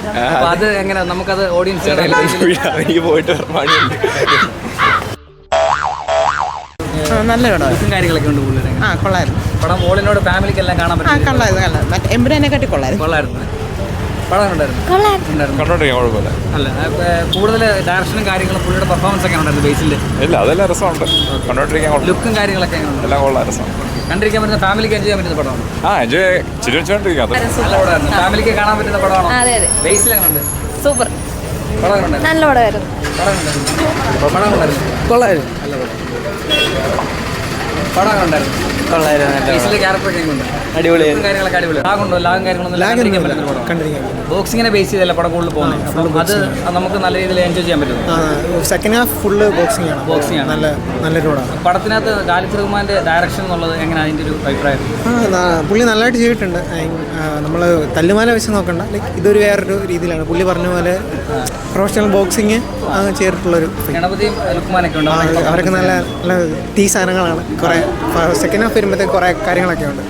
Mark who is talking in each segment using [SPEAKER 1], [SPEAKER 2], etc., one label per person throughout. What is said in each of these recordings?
[SPEAKER 1] അപ്പൊ അത് എങ്ങനെ നമുക്കത് ഓഡിയൻസ്
[SPEAKER 2] പോയിട്ട്
[SPEAKER 3] നല്ല പടം
[SPEAKER 1] കാര്യങ്ങളൊക്കെ ഉണ്ട് പുള്ളിയുടെ.
[SPEAKER 3] കൊള്ളായിരുന്നു.
[SPEAKER 1] പടം മോളിനോട് ഫാമിലിക്ക് എല്ലാം കാണാൻ പറ്റും.
[SPEAKER 3] കൊള്ളായിരുന്നു. എമ്പുരാനെ കാട്ടി കൊള്ളായിരുന്നു.
[SPEAKER 1] പടം ഉണ്ടായിരുന്നു. അല്ല കൂടുതൽ ഡയറക്ഷനും കാര്യങ്ങളും പുള്ളിയുടെ പെർഫോമൻസ് ഒക്കെ ഉണ്ടായിരുന്നു ബേസിൽ.
[SPEAKER 2] ഇല്ല അതെല്ലാം രസമുണ്ട് കണ്ടോണ്ടിരിക്കാൻ.
[SPEAKER 1] ലുക്കും കാര്യങ്ങളൊക്കെ
[SPEAKER 2] എല്ലാം കൊള്ളാം, രസം.
[SPEAKER 1] കണ്ടിരിക്കാൻ പറ്റുന്ന ഫാമിലിക്ക് എൻജോയ് ചെയ്യാൻ പറ്റുന്ന പടമാണ്.
[SPEAKER 2] എൻജോയ് ചിരിച്ചോണ്ടിരിക്കാം.
[SPEAKER 1] നല്ല പടമായിരുന്നു. ഫാമിലിക്ക് കാണാൻ പറ്റുന്ന പടമാണോ? ബേസിൽ എങ്ങനെയുണ്ട്?
[SPEAKER 4] സൂപ്പർ.
[SPEAKER 1] പടം
[SPEAKER 4] നല്ല പടമായിരുന്നു.
[SPEAKER 1] കൊള്ളായിരുന്നു. നല്ല പടം ഉണ്ടായിരുന്നു. ബോക്സിങ്ങിനെ ബേസ് ചെയ്തല്ല പടം കൂടുതൽ പോകുന്നത്. അത് നമുക്ക് നല്ല രീതിയിൽ എൻജോയ് ചെയ്യാൻ പറ്റും.
[SPEAKER 3] സെക്കൻഡ് ഹാഫ് ഫുള്ള് ബോക്സിംഗ് ആണ്. നല്ലൊരു പടമാണ്.
[SPEAKER 1] പടത്തിനകത്ത് ഖാലിദ് റഹ്മാന്റെ ഡയറക്ഷൻ എന്നുള്ളത് എങ്ങനെയാണ് അതിന്റെ ഒരു അഭിപ്രായം?
[SPEAKER 3] പുള്ളി നല്ലതായിട്ട് ചെയ്തിട്ടുണ്ട്. നമ്മൾ തല്ലുമാല വെച്ച് നോക്കണ്ട, ലൈക്ക് ഇതൊരു വേറൊരു രീതിയിലാണ് പുള്ളി പറഞ്ഞ പോലെ പ്രൊഫഷണൽ ബോക്സിങ് ചെയ്തിട്ടുള്ളൊരു.
[SPEAKER 1] ഗണപതിയും ലുക്മാനൊക്കെ ഉണ്ട്.
[SPEAKER 3] അവരൊക്കെ നല്ല നല്ല തീ സാധനങ്ങളാണ്. കുറേ സെക്കൻഡ് ഹാഫ് വരുമ്പോഴത്തേക്ക് കുറേ കാര്യങ്ങളൊക്കെ ഉണ്ട്.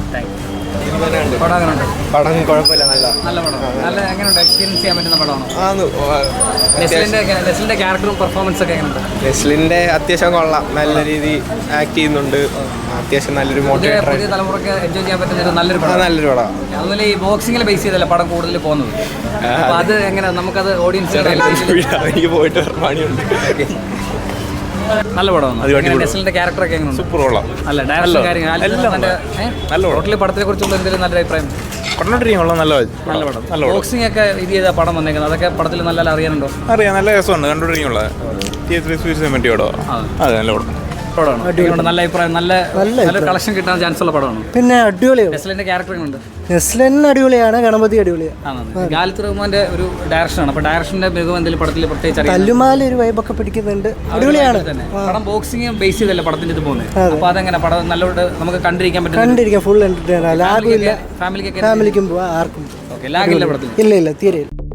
[SPEAKER 2] പടം കുഴപ്പമില്ല,
[SPEAKER 1] നല്ല പടം. നല്ല എങ്ങനെയുണ്ട്? എക്സ്പീരിയൻസ് ചെയ്യാൻ പറ്റുന്ന പടമാണോ? നെസ്ലിന്റെ ക്യാരക്ടറും പെർഫോമൻസ് ഒക്കെ എങ്ങനെയുണ്ട്?
[SPEAKER 2] നെസ്ലിന്റെ അത്യാവശ്യം കൊള്ളാം, നല്ല രീതി ആക്ട് ചെയ്യുന്നുണ്ട്. അത്യാവശ്യം നല്ലൊരു മോട്ടിവേറ്റർ.
[SPEAKER 1] പുതിയ തലമുറക്ക് എൻജോയ് ചെയ്യാൻ പറ്റുന്ന നല്ലൊരു പടം. അതുപോലെ ഈ ബോക്സിങ്ങിൽ ബേസ് ചെയ്തല്ല പടം കൂടുതൽ പോകുന്നത്. അപ്പൊ അത് എങ്ങനെ നമുക്കത് ഓഡിയൻസ്
[SPEAKER 2] പോയിട്ട് പണിയുണ്ട്.
[SPEAKER 1] നല്ല പടമാണ്. നെസ്ലിന്റെ ക്യാരക്ടർ ഒക്കെ എങ്ങനെ?
[SPEAKER 2] സൂപ്പർ കൊള്ളാം.
[SPEAKER 1] അല്ല ഡയറക്ഷൻ കാര്യങ്ങൾ ടോട്ടലി പടത്തിനെ കുറിച്ചുള്ള എന്തെങ്കിലും നല്ല അഭിപ്രായം? നല്ല പടം. ബോക്സിംഗ് ഒക്കെ ഇത് ചെയ്ത പടം വന്നേക്കുന്നത് അതൊക്കെ പടത്തിൽ നല്ല അറിയാനുണ്ടോ?
[SPEAKER 2] അറിയാം, നല്ല രസമുണ്ട് കണ്ടോണ്ടിരിക്കുള്ള. അതെ, നല്ല പടം.
[SPEAKER 1] നല്ല അഭിപ്രായം. നല്ല കളക്ഷൻ കിട്ടാൻ ചാൻസ് ഉള്ള പടമാണ്.
[SPEAKER 3] പിന്നെ അടിപൊളിയാണ്.
[SPEAKER 1] നെസ്ലിന്റെ ക്യാരക്ടർ ഉണ്ട്.
[SPEAKER 3] നെസ്ലൻ അടിപൊളിയാണ്. ഗണപതി അടിപൊളിയാണ്.
[SPEAKER 1] ഖാലിദ് റഹ്മാന്റെ ഒരു ഡയറക്ഷനാണ്. അപ്പൊ ഡയറക്ഷന്റെ മികവ് എന്തെങ്കിലും പടത്തിൽ പ്രത്യേകിച്ച്
[SPEAKER 3] തല്ലുമാല ഒരു വൈബൊക്കെ പിടിക്കുന്നുണ്ട്. അടിപൊളിയാണ്.
[SPEAKER 1] പടം ബോക്സിംഗ് ബേസ് ചെയ്തല്ലേ പടത്തിന്റെ ഇത് പോകുന്നത്. അപ്പൊ അതെങ്ങനെ പടം നല്ലോട്ട് നമുക്ക് കണ്ടിരിക്കാൻ
[SPEAKER 3] പറ്റും. Full entertain. ലാഗില്ല.
[SPEAKER 1] ഫാമിലിക്കും
[SPEAKER 3] പോവാം. ആർക്കും
[SPEAKER 1] ലാഗില്ല പടത്തിൽ.
[SPEAKER 3] ഇല്ല തീരെ.